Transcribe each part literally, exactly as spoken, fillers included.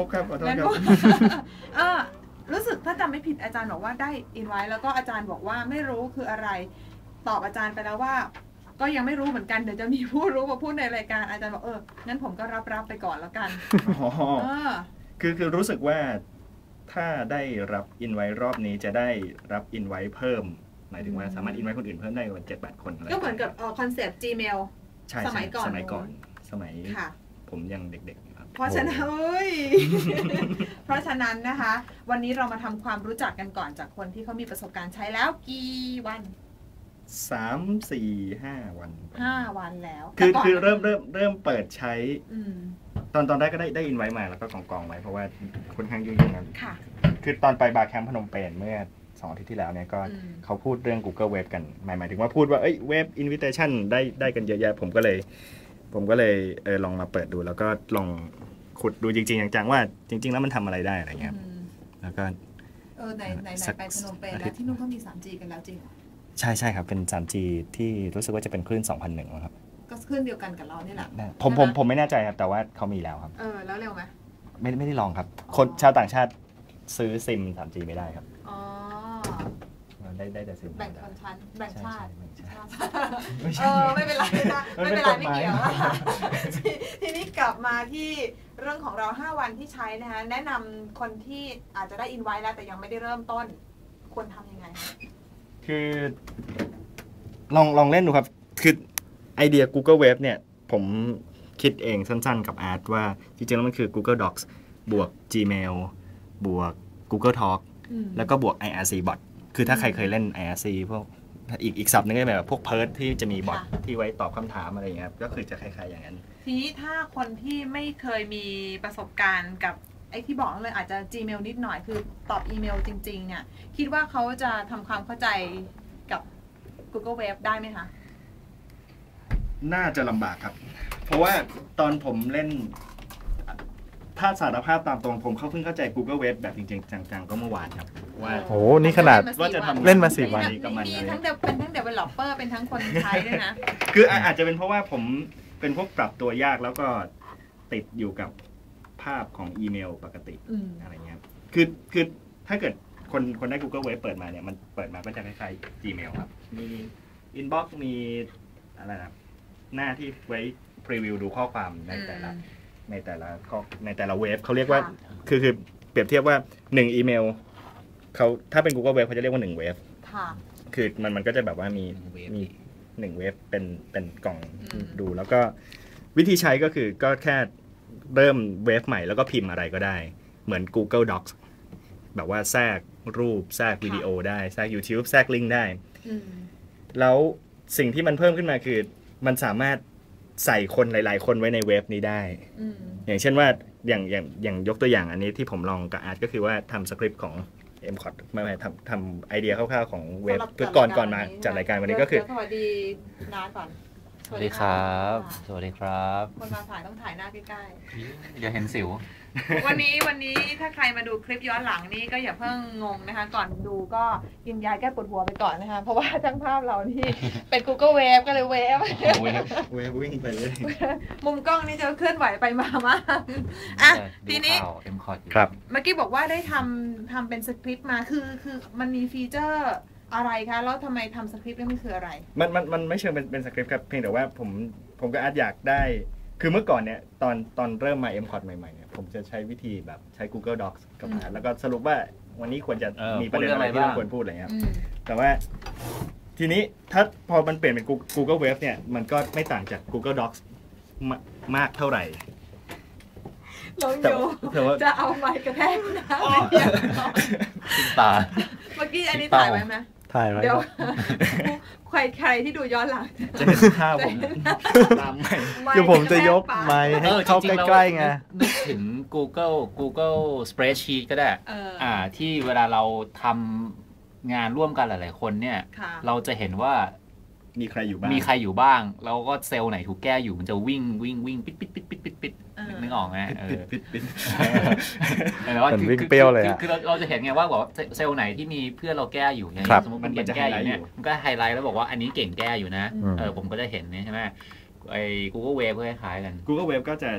ครับขอโทษครับเออรู้สึกถ้าจำไม่ผิดอาจารย์บอกว่าได้อินไว้แล้วก็อาจารย์บอกว่าไม่รู้คืออะไรตอบอาจารย์ไปแล้วว่าก็ยังไม่รู้เหมือนกันเดี๋ยวจะมีผู้รู้มาพูดในรายการอาจารย์บอกเอองั้นผมก็รับรับไปก่อนแล้วกันอ๋อคือคือรู้สึกว่าถ้าได้รับอินไว้รอบนี้จะได้รับอินไว้เพิ่มหมายถึงว่าสามารถอินไว้คนอื่นเพิ่มได้ประมาณเจ็ดแปดคนก็เหมือนกับคอนเซ็ปต์ Gmail สมัยก่อนสมัยก่อนสมัยผมยังเด็กๆครับเพราะฉะนั้นเฮ้ยเพราะฉะนั้นนะคะวันนี้เรามาทำความรู้จักกันก่อนจากคนที่เขามีประสบการณ์ใช้แล้วกี่วันสามสี่ห้าวันห้าวันแล้วคือคือเริ่มเริ่มเริ่มเปิดใช้ตอนตอนแรกก็ได้ได้อินไว้มาแล้วก็กองกองไว้เพราะว่าค่อนข้างยุ่งๆนั้นคือตอนไปบาร์แคมป์พนมเปญเมื่อสองอาทิตย์ที่แล้วเนี่ยก็เขาพูดเรื่อง Google Web กันหมายหมายถึงว่าพูดว่าเอ้ยเว็บ Invitation ได้ได้กันเยอะแยะผมก็เลยผมก็เลยเออลองมาเปิดดูแล้วก็ลองขุดดูจริงๆจังๆว่าจริงๆแล้วมันทำอะไรได้อะไรเงี้ยแล้วก็เออไหนไหนไหนไปพนมเปญแล้วที่นู่นเขามี ทรีจี กันแล้วจริงเหรอใช่ใช่ครับเป็น ทรีจี ที่รู้สึกว่าจะเป็นคลื่น สองพันหนึ่ง ครับก็คลื่นเดียวกันกับเรานี่แหละผมผมผมไม่แน่ใจครับแต่ว่าเขามีแล้วครับเออแล้วเร็วไหมไม่ไม่ได้ลองครับคนชาวต่างชาติซื้อซิม ทรีจี ไม่ได้ครับอ๋อได้ได้แต่ซิมแบ่งชนชั้นแบ่งชาติเออไม่เป็นไรนะไม่เป็นไรไม่เกี่ยวทีนี้กลับมาที่เรื่องของเราห้าวันที่ใช้นะคะแนะนำคนที่อาจจะได้อินไว้แล้วแต่ยังไม่ได้เริ่มต้นควรทำยังไงคือลองลองเล่นดูครับคือไอเดีย Google Web เนี่ยผมคิดเองสั้นๆกับอาร์ตว่าจริงๆแล้วมันคือ Google Docs บวก Gmail บวก Google Talk แล้วก็บวก ไอ อาร์ ซี Bot คือถ้าใครเคยเล่น ไอ อาร์ ซี พวกอีกอีกศัพท์นึงก็แบบพวกเพิร์ทที่จะมีบอทที่ไว้ตอบคำถามอะไรอย่างเงี้ยก็คือจะคล้ายๆอย่างนั้นทีนี้ถ้าคนที่ไม่เคยมีประสบการณ์กับไอ้ที่บอกเลยอาจจะ Gmail นิดหน่อยคือตอบอีเมลจริงๆเนี่ยคิดว่าเขาจะทำความเข้าใจกับ Google Web ได้ไหมคะน่าจะลำบากครับเพราะว่าตอนผมเล่นถ้าสารภาพตามตรงผมเขาเพิ่งเข้าใจ Google Web แบบจริงๆจังๆก็เมื่อวานครับว่าโอ้นี่ขนาดว่าจะทำเล่นมาสี่วันกับมันเลยทั้งเป็นทั้ง developer เป็นทั้งคนใช้ด้วยนะคืออาจจะเป็นเพราะว่าผมเป็นพวกปรับตัวยากแล้วก็ติดอยู่กับภาพของอีเมลปกติอะไรเงี้ยคือคือถ้าเกิดคนคนได้ Google Web เปิดมาเนี่ยมันเปิดมาก็จะคล้ายๆ Gmail ครับมี Inbox มีอะไรนะหน้าที่ไว้พรีวิวดูข้อความในแต่ละในแต่ละในแต่ละเว็บเขาเรียกว่าคือคือเปรียบเทียบว่าหนึ่งอีเมลเขาถ้าเป็น Google Web เขาจะเรียกว่าหนึ่งเว็บคือมันมันก็จะแบบว่ามีมีหนึ่งเว็บเป็นเป็นกล่องดูแล้วก็วิธีใช้ก็คือก็แค่เริ่มเว็บใหม่แล้วก็พิมพ์อะไรก็ได้เหมือน Google Docs แบบว่าแทรกรูปแทรกวิดีโอได้แทรก YouTube แทรกลิงก์ได้แล้วสิ่งที่มันเพิ่มขึ้นมาคือมันสามารถใส่คนหลายๆคนไว้ในเว็บนี้ได้อย่างเช่นว่าอย่างอย่างอย่างยกตัวอย่างอันนี้ที่ผมลองกับอาร์ตก็คือว่าทำสคริปต์ของ เอ็ม คอท ไม่ไม่ทำทำไอเดียคร่าวๆของเว็บคือก่อนก่อนมาจัดรายการวันนี้ก็คือสวัสดีนาก่อนสวัสดีครับสวัสดีครับคนมาถ่ายต้องถ่ายหน้าใกล้ๆอย่าเห็นสิววันนี้วันนี้ถ้าใครมาดูคลิปย้อนหลังนี่ก็อย่าเพิ่งงงนะคะก่อนดูก็กินยาแก้ปวดหัวไปก่อนนะคะเพราะว่าทั้งภาพเรานี่เป็น Google Web ก็เลยเวฟเวฟวิ่งไปเลยมุมกล้องนี่จะเคลื่อนไหวไปมามากอ่ะทีนี้ครับเมื่อกี้บอกว่าได้ทำทำเป็นสคริปต์มาคือคือมันมีฟีเจอร์อะไรคะแล้วทำไมทำสคริปต์นี่มันคืออะไรมันมันมันไม่เชิงเป็นเป็นสคริปต์ครับเพียงแต่ว่าผมผมก็อาจอยากได้คือเมื่อก่อนเนี่ยตอนตอนเริ่มมา เอ็ม คอท ใหม่ๆเนี่ยผมจะใช้วิธีแบบใช้ Google Docs กับอาร์ตแล้วก็สรุปว่าวันนี้ควรจะมีประเด็นอะไรที่เราควรพูดอะไรเงี้ยแต่ว่าทีนี้ถ้าพอมันเปลี่ยนเป็น Google Web เนี่ยมันก็ไม่ต่างจาก Google Docs มากเท่าไหร่น้องโยจะเอาไมค์กระแทกนะตาเมื่อกี้อันนี้ถ่ายไว้ไหมถ่ายไว้เดี๋ยวใครใครที่ดูย้อนหลังจะเห็นภาพผมตามไม่คือผมจะยกไมค์ให้เข้าใกล้ๆไงนึกถึง Google Google Spreadsheet ก็ได้อ่าที่เวลาเราทำงานร่วมกันหลายๆคนเนี่ยเราจะเห็นว่ามีใครอยู่บ้างมีใครอยู่บ้างแล้วก็เซลล์ไหนถูกแก้อยู่มันจะวิ่งวิ่งวิ่งปิดปิดปิดปิดปิดปิดนึกออกไหมปิดปิดปิดแต่ว่าวิ่งเปรี้ยวเลยคือเราจะเห็นไงว่าบอกเซลล์ไหนที่มีเพื่อนเราแก้อยู่อย่างสมมติมันเก่งแก้อยู่เนี่ยมันก็ไฮไลท์แล้วบอกว่าอันนี้เก่งแก้อยู่นะเออผมก็จะเห็นนี่ใช่ไหมไอ้ Google Web ก็คล้ายๆกัน Google Web ก็จะ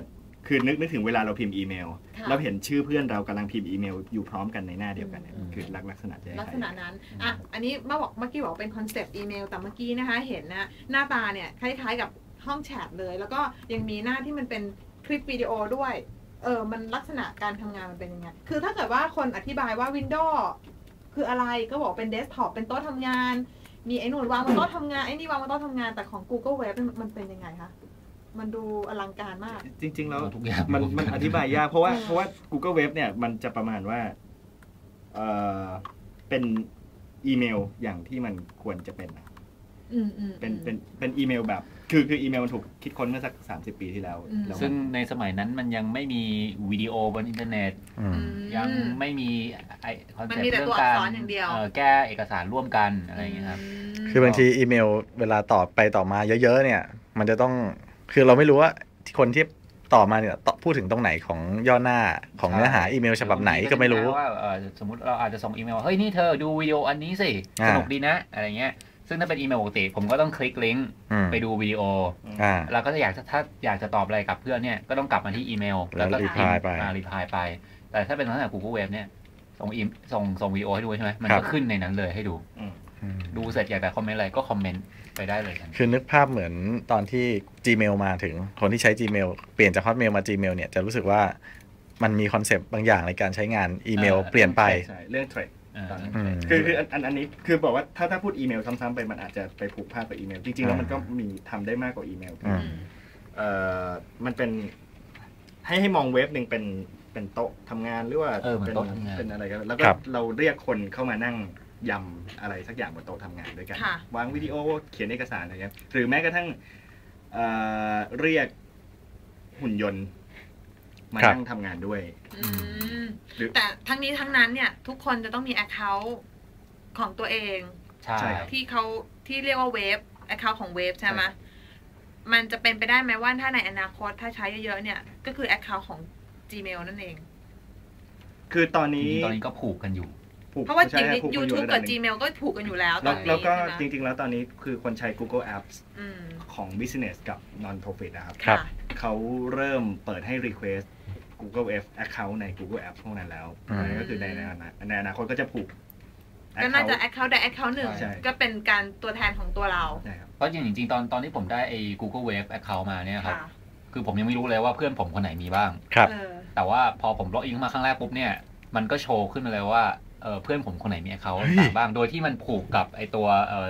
คือนึกนึกถึงเวลาเราพิมพ์อีเมลเราเห็นชื่อเพื่อนเรากำลังพิมพ์อีเมลอยู่พร้อมกันในหน้าเดียวกันเนี่ยคือลักษณะลักษณะนั้นอ่ะอันนี้เมื่อบอกเมื่อกี้บอกเป็นคอนเซปต์อีเมลแต่เมื่อกี้นะคะเห็นนะหน้าตาเนี่ยคล้ายๆกับห้องแชทเลยแล้วก็ยังมีหน้าที่มันเป็นคลิปวิดีโอด้วยเออมันลักษณะการทำงานมันเป็นยังไงคือถ้าเกิดว่าคนอธิบายว่า Windows คืออะไรก็บอกเป็นเดสก์ท็อปเป็นโต๊ะทำงานมีไอ้นู่นวางบนโต๊ะทำงานไอ้นี่วางบนโต๊ะทำงานแต่ของ Google Web มันเป็นยังไงคะมันดูอลังการมากจริงๆแล้วมันมันอธิบายยากเพราะว่าเพราะว่า Google Web เนี่ยมันจะประมาณว่าเออเป็นอีเมลอย่างที่มันควรจะเป็นเป็นเป็นเป็นอีเมลแบบคือคืออีเมลมันถูกคิดค้นเมื่อสักสามสิบปีที่แล้วซึ่งในสมัยนั้นมันยังไม่มีวิดีโอบนอินเทอร์เน็ตยังไม่มีไอคอนเซ็ปต์เรื่องการแก้เอกสารร่วมกันอะไรอย่างเงี้ยครับคือบางทีอีเมลเวลาตอบไปต่อมาเยอะๆเนี่ยมันจะต้องคือเราไม่รู้ว่าคนที่ต่อมาเนี่ยพูดถึงตรงไหนของย่อหน้าของเนื้อหาอีเมลฉบับไหนก็ไม่รู้ว่าสมมติเราอาจจะส่งอีเมลว่าเฮ้ยนี่เธอดูวิดีโออันนี้สิสนุกดีนะอะไรเงี้ยซึ่งถ้าเป็นอีเมลปกติผมก็ต้องคลิกลิงก์ไปดูวิดีโอแล้วก็จะอยากถ้าอยากจะตอบอะไรกับเพื่อนเนี่ยก็ต้องกลับมาที่อีเมลแล้วก็รีพลายไปรีพลายไปแต่ถ้าเป็นลักษณะ Google Web เนี่ยส่งอีส่งส่งวิดีโอให้ดูใช่ไหมมันก็ขึ้นในนั้นเลยให้ดูดูเสร็จอยากจะคอมเมนต์อะไรก็คอมเมนต์ไปได้เลยคือนึกภาพเหมือนตอนที่ Gmail มาถึงคนที่ใช้ Gmail เปลี่ยนจาก Hotmail มา Gmail เนี่ยจะรู้สึกว่ามันมีคอนเซปต์บางอย่างในการใช้งานอีเมลเปลี่ยนไปใช่เรื่องเทรดคือคืออันอันนี้คือบอกว่าถ้าถ้าพูดอีเมลซ้ำๆไปมันอาจจะไปผูกพาดกับอีเมลจริงๆแล้วมันก็มีทำได้มากกว่าอีเมลเอ่อมันเป็นให้ให้มองเว็บหนึ่งเป็นเป็นโต๊ะทำงานหรือว่าเป็นเป็นอะไรกันแล้วก็เราเรียกคนเข้ามานั่งยำอะไรสักอย่างบนโต๊ะทำงานด้วยกันวางวิดีโอเขียนเอกสารอะไรเงี้ยหรือแม้กระทั่งเอ่อเรียกหุ่นยนต์มานั่งทำงานด้วยแต่ทั้งนี้ทั้งนั้นเนี่ยทุกคนจะต้องมี account ของตัวเองที่เขาที่เรียกว่าเว็บ account ของเว็บใช่ไหมมันจะเป็นไปได้ไหมว่าถ้าในอนาคตถ้าใช้เยอะๆเนี่ยก็คือ account ของ Gmail นั่นเองคือตอนนี้ตอนนี้ก็ผูกกันอยู่เพราะว่าจริงๆ YouTube กับ Gmail ก็ผูกกันอยู่แล้วตอนนี้แล้วก็จริงๆแล้วตอนนี้คือคนใช้ Google Apps ของ Business กับ Non-Profit นะครับเขาเริ่มเปิดให้ Request Google F Account ใน Google Apps พวกนั้นแล้วก็คือในในอนาคตก็จะผูกก็น่าจะ Account ใด Account หนึ่งก็เป็นการตัวแทนของตัวเราเพราะจริงๆตอนตอนที่ผมได้ไอ้ Google Wave Account มาเนี่ยครับคือผมยังไม่รู้เลยว่าเพื่อนผมคนไหนมีบ้างแต่ว่าพอผมล็อกอินมาครั้งแรกปุ๊บเนี่ยมันก็โชว์ขึ้นมาเลยว่าเพื่อนผมคนไหนมี Account ต่างบ้างโดยที่มันผูกกับไอ้ตัว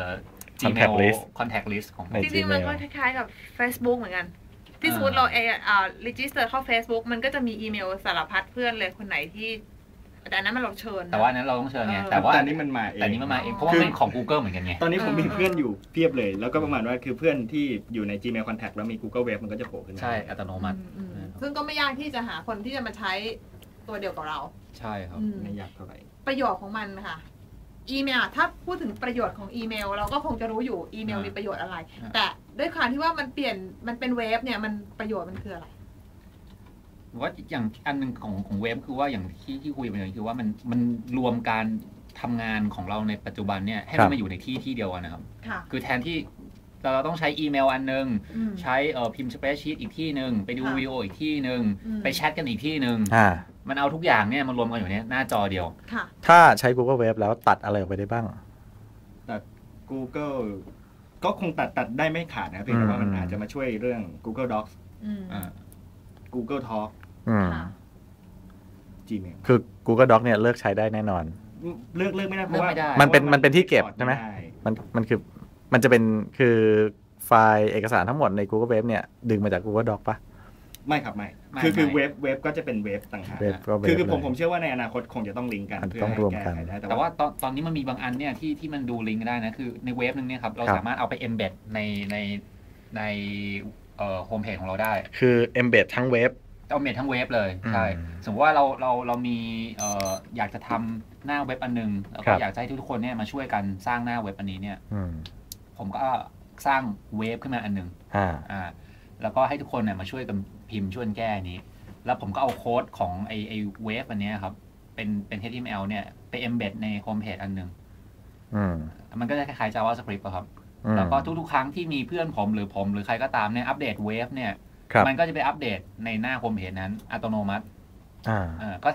Gmail Contact List ของจริงๆมันก็คล้ายๆกับ Facebook เหมือนกันที่สมมติเราเออ่า register เข้า Facebook มันก็จะมีอีเมลสารพัดเพื่อนเลยคนไหนที่แต่นั้นมันเราเชิญแต่ว่านั้นเราต้องเชิญไงแต่ว่าอันนี้มันมาเองแต่นี้มันมาเองเพราะว่าเป็นของ Google เหมือนกันไงตอนนี้ผมมีเพื่อนอยู่เพียบเลยแล้วก็ประมาณว่าคือเพื่อนที่อยู่ใน Gmail Contact แล้วมี Google Web มันก็จะโผล่ขึ้นมาใช่อัตโนมัติซึ่งก็ไม่ยากที่จะหาคนที่จะมาใช้ตัวเดียวกับเราใช่ครับไม่ยากเท่าไหร่ประโยชน์ของมันค่ะอีเมลถ้าพูดถึงประโยชน์ของอีเมลเราก็คงจะรู้อยู่อีเมลมีประโยชน์อะไรแต่ด้วยความที่ว่ามันเปลี่ยนมันเป็นเว็บเนี่ยมันประโยชน์มันคืออะไรว่าอย่างอันนึงของของเว็บคือว่าอย่างที่ที่คุยไปเลยคือว่ามันมันรวมการทำงานของเราในปัจจุบันเนี่ยให้มันมาอยู่ในที่ที่เดียวกันนะครับคือแทนที่เราต้องใช้อีเมลอันนึงใช้เอ่อพิมพ์สเปรดชีตอีกที่นึงไปดูวิดีโออีกที่นึงไปแชทกันอีกที่นึงมันเอาทุกอย่างเนี่ยมารวมกันอยู่ในหน้าจอเดียวถ้าใช้ Google Web แล้วตัดอะไรออกไปได้บ้างตัด Google ก็คงตัดตัดได้ไม่ขาดนะเพียงแต่ว่ามันอาจจะมาช่วยเรื่อง Google Docs Google Talk Gmail คือ Google Docs เนี่ยเลิกใช้ได้แน่นอนเลิกเลิกไม่ได้เพราะว่ามันเป็นมันเป็นที่เก็บใช่ไหมมันมันคือมันจะเป็นคือไฟล์เอกสารทั้งหมดใน Google Web เนี่ยดึงมาจาก Google Docs ปะไม่ครับไม่คือคือเว็บเว็บก็จะเป็นเว็บต่างหากคือคือผมผมเชื่อว่าในอนาคตคงจะต้องลิงก์กันเพื่อให้แก้ไขได้แต่ว่าตอนตอนนี้มันมีบางอันเนี่ยที่ที่มันดูลิงก์ได้นะคือในเว็บนึงเนี่ยครับเราสามารถเอาไป embed ในในในเอ่อโฮมเพจของเราได้คือ embed ทั้งเว็บเอา embed ทั้งเว็บเลยใช่สมมติว่าเราเราเรามีเอ่ออยากจะทำหน้าเว็บอันนึงแล้วก็อยากให้ทุกคนเนี่ยมาช่วยกันสร้างหน้าเว็บอันนี้เนี่ยผมก็สร้างเว็บขึ้นมาอันนึงอ่าแล้วก็ให้ทุกคนเนี่ยมาช่วยกันพิมพ์ช่วยแก้นี้แล้วผมก็เอาโค้ดของไอไอเว็บอันนี้ครับเป็นเป็น เอช ที เอ็ม แอล เนี่ยไป embed ในโฮมเพจอันนึงมันก็จะคล้ายๆ JavaScript ครับแล้วก็ทุกๆครั้งที่มีเพื่อนผมหรือผมหรือใครก็ตามเนี่ยอัปเดตเว็บเนี่ยมันก็จะไปอัปเดตในหน้าโฮมเพจนั้นอัตโนมัติอ่าเออก็